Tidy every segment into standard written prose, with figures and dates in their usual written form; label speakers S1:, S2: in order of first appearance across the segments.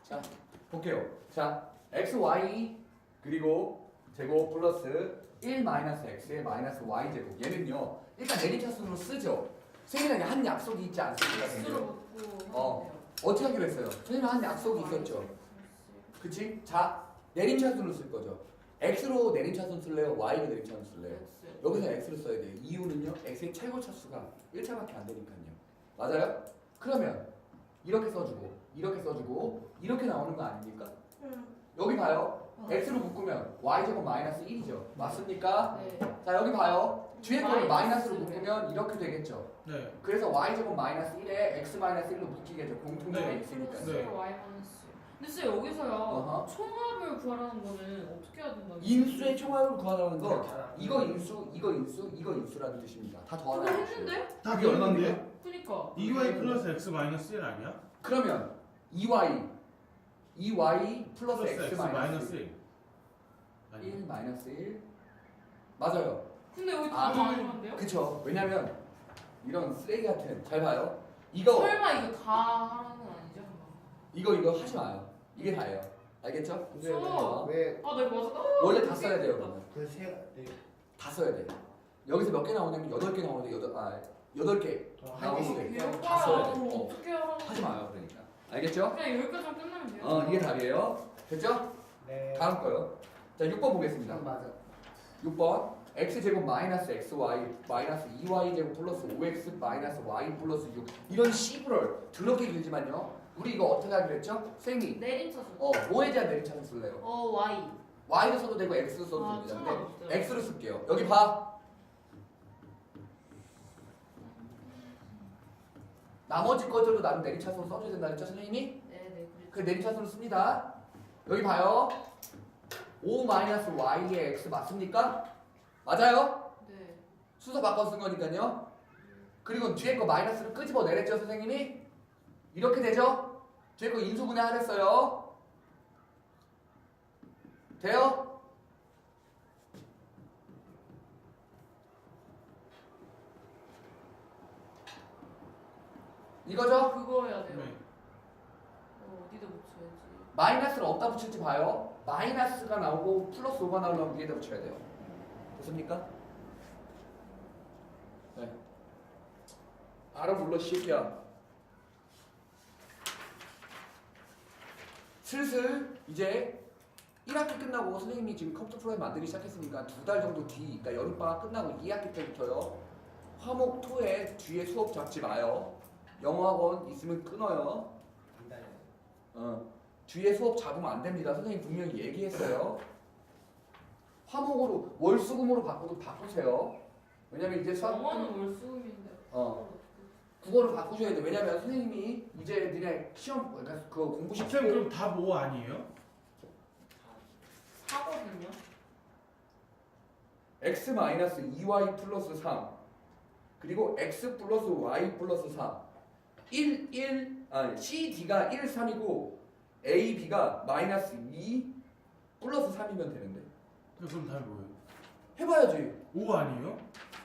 S1: 자, 볼게요. 자, xy 그리고 제곱 플러스 1 마이너스 x의 마이너스 y 제곱. 얘는요. 일단 내림차순으로 쓰죠. 선생님에게 한 약속이 있지 않습니까?
S2: X로 묶고
S1: 어떻게 하기로 했어요? 선생님 한 약속이 있었죠. 그치? 자, 내림차순으로 쓸 거죠. x로 내림차순 쓸래요? y로 내림차순 쓸래요?
S2: X.
S1: 여기서 x를 써야 돼요. 이유는요. x의 최고 차수가 1차밖에 안 되니까요. 맞아요? 그러면 이렇게 써주고 이렇게 써주고 이렇게 나오는 거 아닙니까? 여기 봐요. x로 묶으면 y제곱 마이너스 1이죠. 맞습니까?
S2: 네.
S1: 자, 여기 봐요. 뒤에 거를 마이너스로
S2: 마이너스로
S1: 묶으면 이렇게 되겠죠.
S3: 네.
S1: 그래서 y제곱 마이너스 1에 x 마이너스 1로 묶이겠죠. 공통점이
S3: 네.
S1: 있으니까.
S3: 네.
S2: Y 마이너스. 근데 쌤 여기서요
S1: 어허.
S2: 총합을 구하라는 거는 어떻게 해야 된다고?
S1: 인수의 총합을 구하라는 거 이거 인수, 이거 인수, 이거 인수라는 뜻입니다. 다
S2: 그거
S1: 더하라는
S2: 했는데?
S3: 다 그게 얼마인데요?
S2: 그니까
S3: 2y 플러스 x 마이너스 1 아니야?
S1: 그러면 2y 플러스 x 마이너스
S3: 1 아니야?
S1: 1 마이너스 1 맞아요.
S2: 근데 여기
S1: 아,
S2: 다 얼마인데요?
S1: 그쵸. 왜냐면 이런 쓰레기 같은 잘 봐요. 이거
S2: 설마 이거 다 하라는 건 아니죠?
S1: 이거 하지 마요. 이게 다예요. 알겠죠?
S4: 근데
S2: 써.
S4: 왜
S2: 아 내가 맞아.
S1: 원래 다 써야 돼요. 그러면
S4: 그세 네.
S1: 다 써야 돼요. 여기서 몇 개 나오냐면 8개 나오는데 8개
S4: 한 개씩
S1: 나오는데 다 써야 돼요.
S2: 그럼 어떻게 하라는
S1: 하지 마요. 그러니까. 알겠죠?
S2: 그냥 여기까지만 끝나면 돼요.
S1: 이게 답이에요. 됐죠?
S4: 네.
S1: 다음 거요. 자, 6번 보겠습니다.
S4: 맞아.
S1: 6번 x제곱 마이너스 xy 마이너스 2y제곱 플러스 5x 마이너스 y 플러스 6 이런 씨부럴 더럽게 길지만요. 우리 이거 어떻게 하기로 했죠? 쌤이
S2: 내림차순.
S1: 뭐에 대한 내림차순 쓸래요?
S2: Y.
S1: y도 써도 되고 x도 써도
S2: 아,
S1: 됩니다.
S2: 상관없어요.
S1: 근데 x로 쓸게요. 여기 봐. 나머지 것들도 나는 내림차순으로 써줘야 된다 그랬죠 선생님이?
S2: 네네.
S1: 그 내림차순으로 씁니다. 여기 봐요. 5-y의 x 맞습니까? 맞아요?
S2: 네.
S1: 순서 바꿔 쓴 거니까요. 그리고 뒤에 거 마이너스를 끄집어 내랬죠 선생님이? 이렇게 되죠? 뒤에 거 인수분해하랬어요. 돼요? 이거죠?
S2: 그거 해야 돼요.
S3: 네.
S2: 어디다 붙여야지.
S1: 마이너스를 어디다 붙일지 봐요. 마이너스가 나오고 플러스 5가 나오려면 위에다 붙여야 돼요. 됐습니까? 네. 알아 불러 새끼야. 슬슬 이제 1학기 끝나고 선생님이 지금 컴퓨터 프로그램 만들기 시작했으니까 2달 정도 뒤, 그러니까 여름방학 끝나고 2학기 때부터요. 화목 토에 뒤에 수업 잡지 마요. 영어학원 있으면 끊어요. 뒤에 수업 잡으면 안 됩니다. 선생님 분명히 얘기했어요. 화목으로 월수금으로 바꾸도 바꾸세요. 왜냐면 이제 수학
S2: 영어는 월수금인데.
S1: 국어를 바꾸셔야 돼. 왜냐면 선생님이 이제 니네 시험 그러니까 그 공부
S3: 쌤
S1: 시키고
S3: 그럼 답 5 아니에요?
S2: 사거든요.
S1: x 마이너스 2y 플러스 3 그리고 x 플러스 y 플러스 4 CD가 1, 3이고 A, B가 마이너스 2 플러스 3이면 되는데
S3: 그럼 답이 뭐예요?
S1: 해봐야지.
S3: 5 아니에요?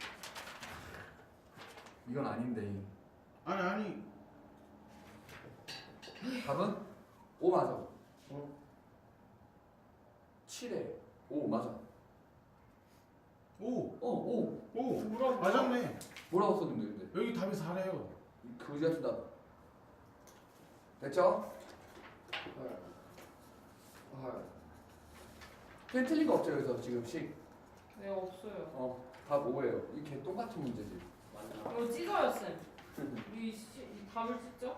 S1: 이건 아닌데
S3: 아니
S1: 답은 5 맞아. 7에 5 맞아.
S3: 5
S1: 5
S3: 5 맞았네.
S1: 뭐라고 썼는데 근데
S3: 여기 답이 4래요.
S1: 그지 같은 답 됐죠? 그냥 틀린 거 없죠 여기서 지금씩
S2: 네 없어요.
S1: 답 5예요. 이게 똑같은 문제지.
S2: 이거 찢어요 쌤. 이 답을 찢죠?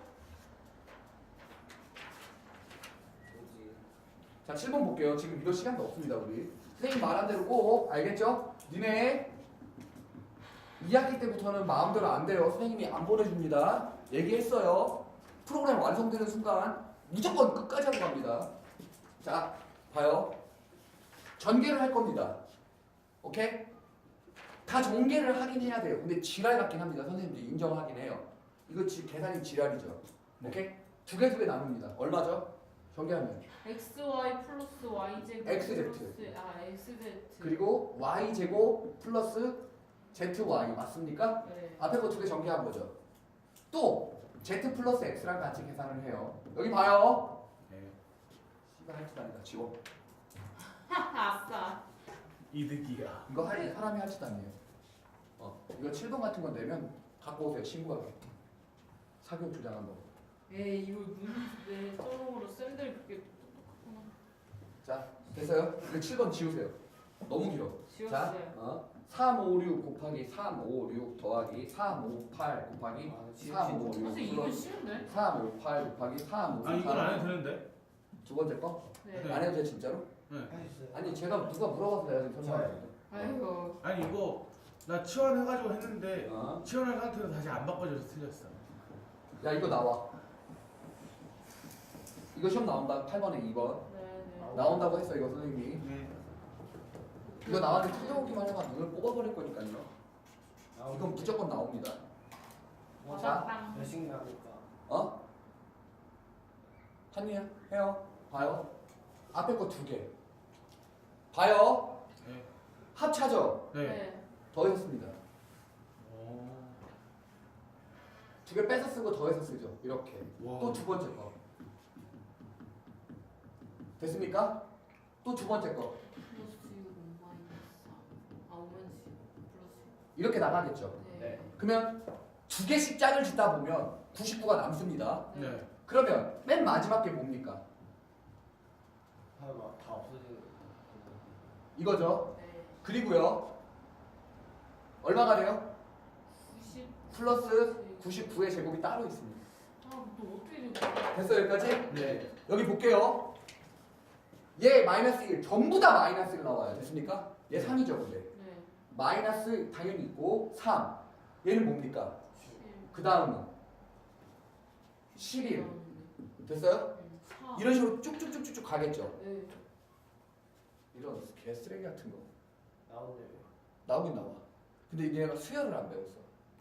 S1: 자 7번 볼게요. 지금 이럴 시간도 없습니다 우리. 선생님 말한 대로 꼭 알겠죠? 니네 2학기 때부터는 마음대로 안 돼요. 선생님이 안 보내줍니다. 얘기했어요. 프로그램 완성되는 순간 무조건 끝까지 하고 갑니다. 자 봐요. 전개를 할 겁니다. 오케이? 다 전개를 하긴 해야 돼요. 근데 지랄 같긴 합니다. 선생님도 인정하긴 해요. 이거 계산이 지랄이죠. 오케이? 두 개 나눕니다. 얼마죠? 전개하면
S2: XY 플러스 Y제곱
S1: XZ.
S2: 플러스 XZ.
S1: 그리고 y제곱 플러스 zy 맞습니까?
S2: 네.
S1: 앞에 거 두 개 전개한 거죠. 또 z 플러스 x랑 같이 계산을 해요. 여기 봐요.
S3: 네.
S1: 집단이다. 지워.
S2: 아싸.
S3: 이득이야.
S1: 이거 사람이 할 집단이에요. 이거 7번 같은 건 내면 갖고 오세요. 신고하게. 사교 주장한 거.
S2: 에이 이거 눈내 쪼롱으로 쌤들 그게 똑똑하구나.
S1: 자, 됐어요? 이거 7번 지우세요. 너무 길어. 자,
S2: 지웠어요.
S1: 356 곱하기 356 더하기 358 곱하기 356
S2: 선생님 이거
S1: 플러스
S2: 쉬운데?
S1: 358 곱하기 358
S3: 아 이건 안 해도 되는데?
S1: 두 번째 거?
S2: 네.
S1: 안 해도 돼 진짜로? 아니 제가 누가 물어봐서 내가 지금 설명하는데.
S2: 아이고.
S3: 아니 이거 나 치환해가지고 했는데
S1: 어?
S3: 치환한 상태로 다시 안 바꿔줘서 틀렸어.
S1: 야 이거 나와. 이거 시험 나온다. 8번에 2번.
S2: 네네.
S1: 나온다고 했어 이거 선생님이.
S3: 네.
S1: 이거 나왔는데 찾아오기만 해봐 눈을 뽑아버릴 거니까요. 이건 무조건 나옵니다.
S2: 맞았당.
S4: 몇씩 나올까?
S1: 어? 한이야? 해요? 봐요? 앞에 거 2개. 봐요?
S3: 네.
S1: 합차죠?
S3: 네.
S1: 더해서 씁니다.
S3: 오.
S1: 2개 빼서 쓰고 더해서 쓰죠. 이렇게.
S3: 와.
S1: 또 두 번째 거. 됐습니까? 또 두 번째 거.
S2: 플러스 6 마이너스 4. 오면지 플러스
S1: 이렇게 나가겠죠.
S2: 6.
S4: 네.
S1: 그러면 2개씩 짝을 짓다 보면 99가 남습니다.
S3: 네.
S1: 그러면 맨 마지막 게 뭡니까?
S4: 하나 다 없어지는.
S1: 이거죠.
S2: 네.
S1: 그리고요. 얼마가 돼요?
S2: 90.
S1: 플러스 99의 제곱이 따로 있습니다.
S2: 아또 어떻게 된
S1: 됐어요 여기까지?
S3: 네.
S1: 여기 볼게요. 얘 마이너스 1 전부 다 마이너스 1 나와요. 됐습니까? 얘 3이죠 근데.
S2: 네.
S1: 마이너스 당연히 있고 3. 얘는 뭡니까?
S2: 7.
S1: 그 다음은 11. 됐어요?
S2: 4.
S1: 이런 식으로 쭉쭉쭉쭉 가겠죠.
S2: 네.
S1: 이런 개쓰레기 같은 거
S4: 나오네요.
S1: 나오긴 나와. 근데 얘가 수열을 안 배웠어.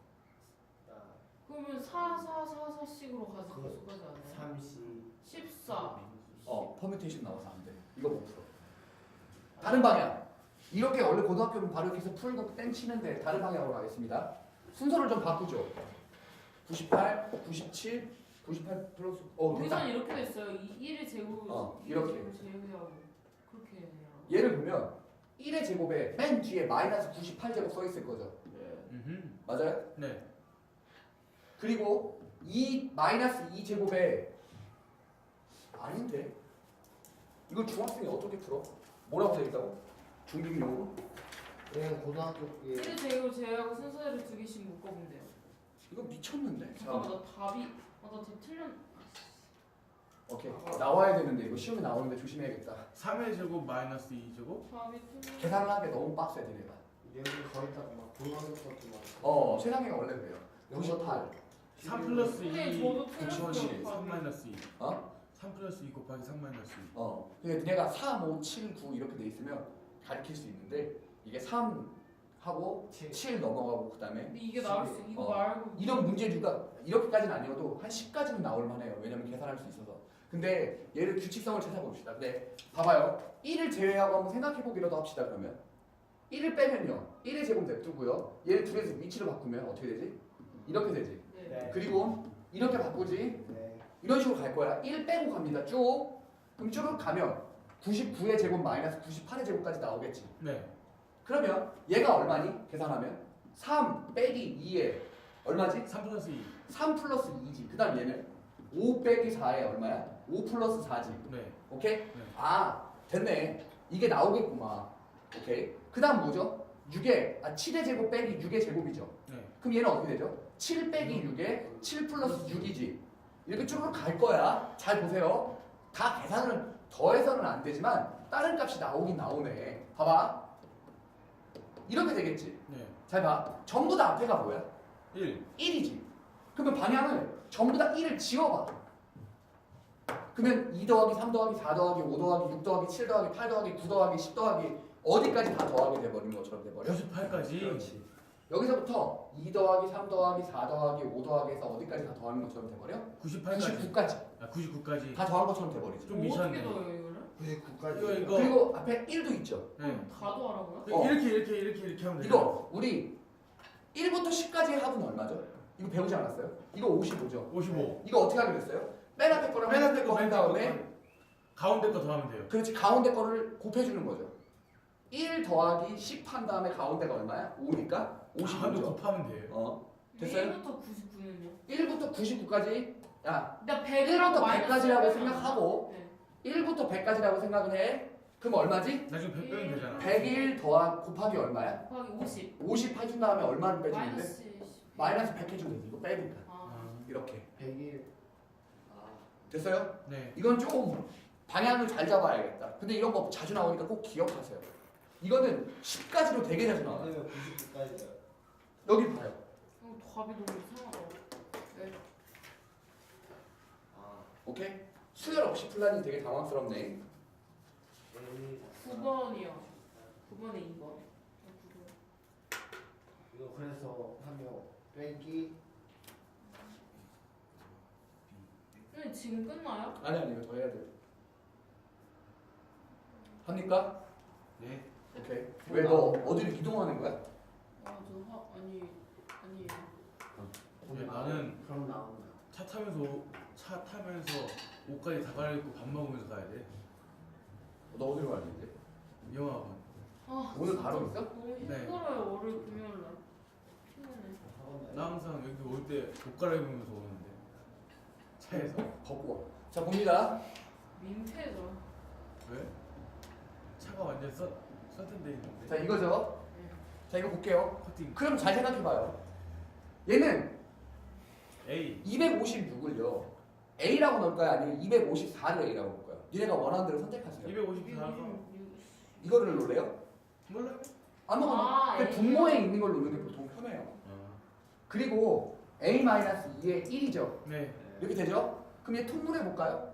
S4: 나
S2: 그러면 4, 4, 4, 4씩으로 가지
S4: 그거
S2: 계속 가지 않아요?
S4: 30.
S2: 14.
S1: 퍼뮤테이션 나와서 안 돼. 이거 못 풀어. 다른 방향. 이렇게 원래 고등학교는 바로 이렇게 해서 풀고 땡치는데 다른 방향으로 가겠습니다. 순서를 좀 바꾸죠. 98, 97, 98 플러스
S2: 여기선
S1: 됐다.
S2: 이렇게 됐어요. 1의 제곱.
S1: 이렇게.
S2: 제곱하고 그렇게 해요.
S1: 얘를 보면 1의 제곱에 맨 뒤에 마이너스 98제곱 써 있을 거죠.
S3: 음흠.
S1: 맞아요?
S3: 네.
S1: 그리고 이 마이너스 2제곱에 아닌데 이걸 중학생이 어떻게 풀어? 뭐라고 되어 있다고? 중딩용으로?
S4: 그냥 고등학교 때
S2: 1의 제곱 제외하고 순서대로 2개씩 묶어보면 돼요.
S1: 이거 미쳤는데?
S2: 잠깐만 나 답이 나 답 틀렸.
S1: 오케이 나와야 되는데 이거 시험에 나오는데 조심해야겠다.
S3: 3의 제곱 마이너스 2제곱?
S2: 답이 틀렸.
S1: 계산을 하는 게 너무 빡세 니네가.
S4: 여기 거의 다막 고등학교 것도 막.
S1: 세상에 원래 그래요. 98
S3: 3 플러스 2
S2: 선생님 저도
S3: 곱하기
S2: 틀렸어요.
S3: 3 마이너스 2.
S1: 어?
S3: 3 플러스 2 곱하기 3 마이너스 2.
S1: 그러니까 니네가 3, 5, 7, 9 이렇게 돼 있으면 가르칠 수 있는데 이게 3 하고 7 넘어가고 그 다음에
S2: 근데 이게 나올 수 이거 말고
S1: 이런 문제류가 이렇게까지는 아니어도 한 10까지는 나올 만해요. 왜냐면 계산할 수 있어서. 근데 얘를 규칙성을 찾아봅시다. 근데 봐봐요. 1을 제외하고 한번 생각해보기라도 합시다. 그러면 1을 빼면요. 1의 제곱 냅두고요. 얘를 둘에서 위치를 바꾸면 어떻게 되지? 이렇게 되지.
S2: 네.
S4: 네.
S1: 그리고 이렇게 바꾸지.
S4: 네.
S1: 이런 식으로 갈 거야. 1 빼고 갑니다. 쭉. 그럼 쭉 가면 99의 제곱 마이너스 98의 제곱까지 나오겠지.
S3: 네.
S1: 그러면 얘가 얼마니? 계산하면 3 빼기 2에 얼마지?
S3: 3 플러스 2.
S1: 3 플러스 2지. 그 다음 얘는 5 빼기 4에 얼마야? 5 플러스 4지.
S3: 네.
S1: 오케이?
S3: 네.
S1: 아 됐네. 이게 나오겠구만. 오케이? 그 다음 뭐죠? 7의 제곱 빼기 6의 제곱이죠.
S3: 네.
S1: 그럼 얘는 어떻게 되죠? 7 빼기 6에 7 플러스 6이지. 이렇게 쭉 갈 거야. 잘 보세요. 다 계산은 더해서는 안 되지만 다른 값이 나오긴 나오네. 봐봐. 이렇게 되겠지.
S3: 네.
S1: 잘 봐. 전부 다 앞에가 뭐야?
S3: 1.
S1: 1이지. 그러면 방향을 전부 다 1을 지워봐. 그러면 2 더하기 3 더하기 4 더하기 5 더하기 6 더하기 7 더하기 8 더하기 9 더하기 10 더하기 어디까지 다 더하게 돼버린 것처럼 돼버려.
S3: 98까지.
S1: 그렇지. 여기서부터 2 더하기 3 더하기 4 더하기 5 더하기 해서 어디까지 다 더하는 것처럼 돼버려?
S3: 98까지.
S1: 99까지
S3: 아 99까지.
S1: 다 더한 것처럼 돼버리지.
S3: 좀 미쳤네.
S2: 어떻게 넣어요 이거를?
S4: 99까지.
S3: 이거
S1: 그리고 앞에 1도 있죠.
S3: 네.
S2: 다 더하라고요?
S1: 어.
S3: 이렇게 하면 돼요.
S1: 이거 우리 1부터 10까지의 합은 얼마죠? 이거 배우지 않았어요? 이거 55죠.
S3: 55.
S1: 이거 어떻게 하기로 했어요? 맨 앞에 거랑 맨 앞에 거한 다음에
S3: 가운데 거 더하면 돼요.
S1: 그렇지. 가운데 거를 곱해주는 거죠. 1 더하기 10 한 다음에 가운데가 얼마야? 5니까
S3: 가운데
S1: 55죠.
S3: 곱하면 돼요.
S1: 됐어요?
S2: 1부터 99는요?
S1: 1부터 99까지 야
S2: 나
S1: 1부터
S2: 100이라고
S1: 100까지라고 생각하고
S2: 네.
S1: 1부터 100까지라고 생각을 해. 그럼 얼마지?
S3: 나중에 100 빼면 되잖아.
S1: 101 더하기 곱하기 얼마야?
S2: 곱하기 50
S1: 50 해준 다음에 얼마를 빼주는데?
S2: 마이너스 10
S1: 마이너스 100 해주면 되지. 이거 빼니까.
S2: 아,
S1: 이렇게.
S4: 100일. 아,
S1: 됐어요?
S3: 네.
S1: 이건 좀 방향을 잘 잡아야겠다. 근데 이런 거 자주 나오니까 꼭 기억하세요. 이거는 10까지로 되게 자주 나와요.
S4: 그러면 99까지요.
S1: 여기 봐요.
S2: 답이 너무 이상하다. 네.
S4: 아,
S1: 오케이? 수열 없이 풀라니 되게 당황스럽네.
S4: 1.
S2: 9번이요. 9번에 2번.
S4: 이거 그래서 하면 빼기.
S2: 근데 지금 끝나요?
S1: 아니 이거 더 해야 돼요. 합니까?
S3: 네.
S1: 오케이. 왜 너 어디로 이동하는 거야?
S2: 아니
S3: 나는
S4: 그럼 나온다.
S3: 차 타면서 옷까지 다 갈아입고 밥 먹으면서 가야 돼.
S1: 너 어디로 가는데?
S3: 영화관.
S2: 아
S1: 오늘 바로 있어?
S2: 너무
S3: 네.
S2: 힘들어요. 월요일 금요일 날. 피곤해.
S3: 나 항상 여기 올 때 옷 갈아입으면서 오는데 차에서.
S1: 걷고 와. 자 봅니다.
S2: 민폐죠.
S3: 왜? 차가 완전 썬텐데 있는데.
S1: 자 이거죠.
S2: 네.
S1: 자 이거 볼게요.
S3: 커팅.
S1: 그럼 잘 생각해봐요. 얘는
S3: A.
S1: 256을요. A라고 넣을까요? 아니면 254를 A라고 넣을까요? 니네가 원하는 대로 선택하세요.
S3: 254가
S1: 이거를 놓을래요?
S3: 몰라.
S1: 아무거나. 근데 분모에 있는 걸 놓는 게 보통 편해요. 그리고 A-2의 1이죠.
S3: 네.
S1: 이렇게 되죠? 그럼 얘 통분해 볼까요?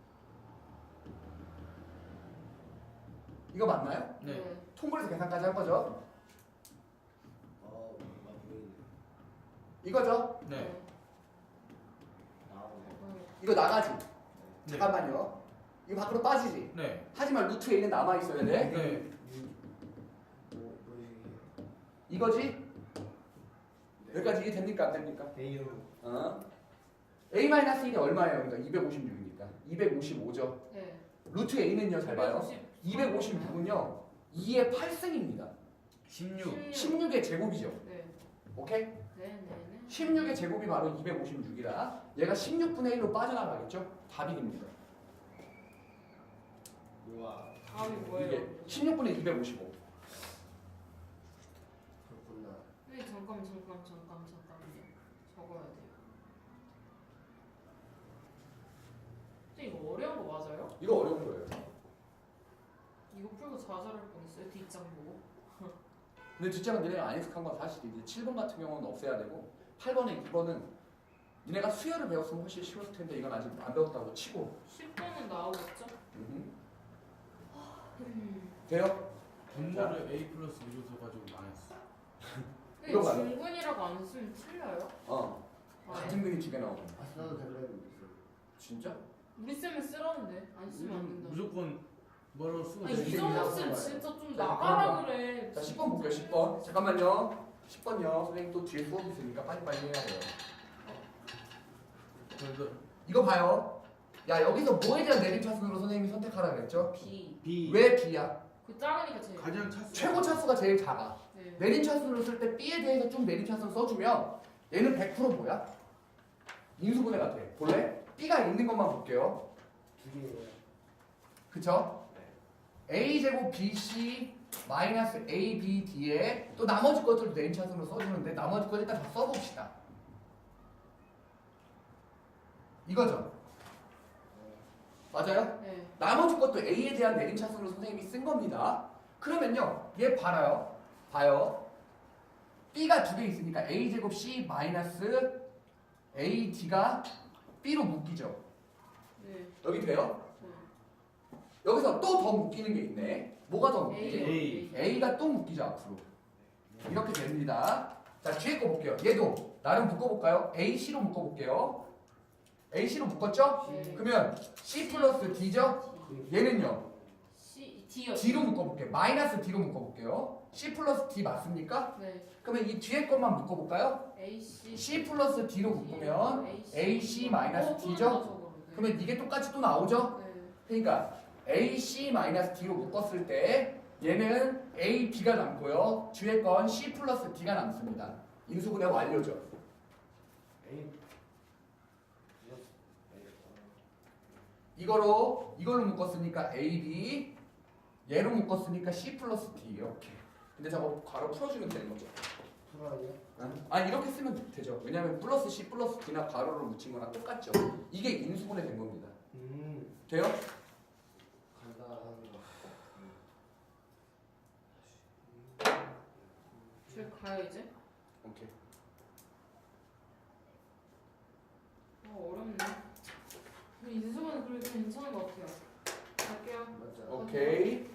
S1: 이거 맞나요?
S3: 네.
S1: 통분해서 계산까지 한 거죠?
S4: 맞네.
S1: 이거죠?
S3: 네.
S4: 나오네.
S1: 이거 나가지?
S3: 네.
S1: 잠깐만요. 이거 밖으로 빠지지?
S3: 네.
S1: 하지만 루트 A는 남아있어야 돼.
S3: 네.
S1: 이거지? 여기까지 이해 됩니까? 안 됩니까?
S4: 대유.
S1: A-1이 얼마예요? 그러니까 256이니까 255죠.
S2: 네.
S1: 루트 A는요, 잘 봐요. 256은요 2의 8승입니다.
S3: 16.
S1: 16의 제곱이죠.
S2: 네.
S1: 오케이?
S2: 네.
S1: 16의 제곱이 바로 256이라 얘가 16분의 1로 빠져나가겠죠? 답입니다.
S4: 우와.
S2: 다음이 뭐예요?
S1: 이게 16분의 255.
S4: 그렇구나.
S2: 네, 잠깐만요. 적어야 돼요. 근데 이거 어려운 거 맞아요?
S1: 이거 어려운 거예요.
S2: 이거 풀고 좌절할 뻔했어요. 뒷장 보고.
S1: 근데 뒷장은 니네가 안 익숙한 건 사실이지. 7번 같은 경우는 없애야 되고 8번에 2번은 니네가 수열을 배웠으면 훨씬 쉬웠을 텐데 이건 아직 안 배웠다고 치고
S2: 10번은 나오겠죠?
S1: 돼요?
S3: 분모를 A 플러스 B로 써가지고 망했어.
S2: 근데
S1: 이거 맞아요.
S2: 중근이라고 안 쓰면 틀려요? 아,
S1: 같은 근이 두 개 나오고.
S4: 써도 될래요?
S1: 진짜?
S2: 우리 쌤은 쓰라는데 안 쓰면 안 된다.
S3: 무조건 뭐로 쓰고
S2: 아니
S1: 돼.
S2: 이성훈 쌤 진짜 좀
S1: 자,
S2: 나가라 그래.
S1: 자 10번 볼게요. 10번. 잠깐만요. 10번요. 선생님 또 뒤에 수업 있으니까 빨리빨리 해야 돼요.
S3: 그래서
S1: 이거 봐요. 야 여기서 뭐에 대한 내림차순으로 선생님이 선택하라 그랬죠?
S2: B.
S3: B.
S1: 왜 B야?
S2: 그 작으니까 제일.
S3: 가장 차수.
S1: 최고 차수가 제일 작아.
S2: 네.
S1: 내림차순으로 쓸 때 B에 대해서 좀 내림차순 써주면 얘는 100% 뭐야? 인수분해 같아. 볼래? B가 있는 것만 볼게요.
S4: 두 개예요.
S1: 그쵸? A제곱 BC 마이너스 ABD에 또 나머지 것들도 내림차순으로 써주는데 나머지 것 일단 다 써봅시다. 이거죠? 맞아요?
S2: 네.
S1: 나머지 것도 A에 대한 내림차순으로 선생님이 쓴 겁니다. 그러면요, 얘 봐요. 봐요. B가 두 개 있으니까 A제곱 C 마이너스 AD가 B로 묶이죠.
S2: 네.
S1: 여기 돼요?
S2: 네.
S1: 여기서 또 더 묶이는 게 있네. 뭐가 더 묶이지?
S3: A.
S1: A가 또 묶이죠, 앞으로. 이렇게 됩니다. 자, 뒤에 거 볼게요. 얘도 나름 묶어볼까요? AC로 묶어볼게요. AC로 묶었죠?
S2: 네.
S1: 그러면 C 플러스 D죠? 얘는요?
S2: C D요.
S1: D로 묶어볼게요. 마이너스 D로 묶어볼게요. C 플러스 D 맞습니까?
S2: 네.
S1: 그러면 이 뒤에 것만 묶어볼까요?
S2: AC.
S1: C 플러스 D로 묶으면 AC 마이너스
S2: 어,
S1: D죠? 그러면 이게 똑같이 또 나오죠?
S2: 네.
S1: 그러니까 AC-D로 묶었을 때 얘는 A, B가 남고요. 뒤에 건 C 플러스 D가 남습니다. 인수분해 완료죠.
S4: A
S1: 이걸로 묶었으니까 A, B, 얘로 묶었으니까 C 플러스 D 이렇게. 근데 저거 바로 풀어주면 되는 거죠.
S4: 풀어요?
S1: 아니 이렇게 쓰면 되죠. 왜냐면 플러스 C 플러스 D나 가로로 묻힌 거랑 똑같죠. 이게 인수분해 된 겁니다. 돼요?
S4: 간다 하는 거.
S2: 줄 가요 이제?
S1: 오케이.
S2: 어렵네. 근데 인수분해 그래도 괜찮은 것 같아요. 갈게요.
S4: 맞아.
S1: 오케이.